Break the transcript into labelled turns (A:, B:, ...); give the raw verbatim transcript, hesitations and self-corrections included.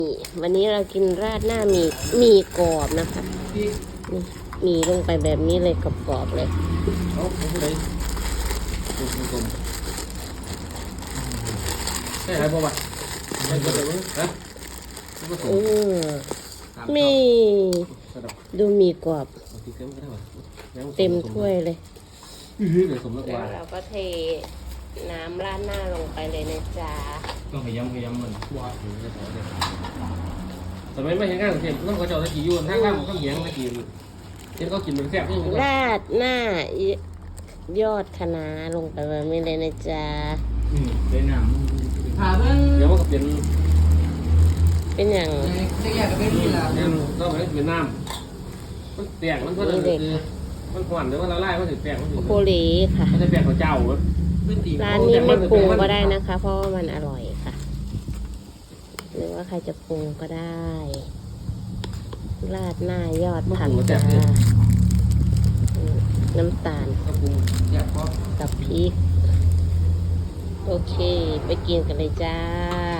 A: วันนี้เรากินราดหน้าหมี่หมี่กรอบนะคะนี่หมี่ลงไปแบบนี้เลยกรอบๆเลย
B: เอาไปเลยกลมๆใช่ไหมบ่าวะใช่บ่าวะฮะ
A: เออมีดูหมี่กรอบเต็มถ้วยเลยแล้วเราก็เทน้ำราดหน้าลงไปเลยนะจ๊ะ
B: ต้องพยายามพยายามมันว่าถึงจะพอได้สมัยไม่เห็นงานเทียมต้องกระเจ้าตะกี้อยู่ทางล่างมันก็เหยียงตะกี้เห็นเขากินเป็นแซ่บนี่
A: ราดหน้ายอดคะน้าลงไปแบบนี้เลยนะจ๊ะ
B: อืมเป็นน้ำถามว่าเดี๋ยวมันก็เป็น
A: เป็นอย่าง
B: จะแยกกันเป็นนี่แหละก็มันเป็นน้ำมันแตกมันเพื่อนคือมันขวัญหรือว่าละลายมันถึงแตกมันถึง
A: โคลีค่ะ
B: มันจะแตกของเจ้า
A: ร้านนี้ไม่ปรุงก็ได้นะคะ เพราะว่ามันอร่อยค่ะหรือว่าใครจะปรุงก็ได้ราดหน้ายอดผักจ้าน้ำตาลกับพริกโอเคไปกินกันเลยจ้า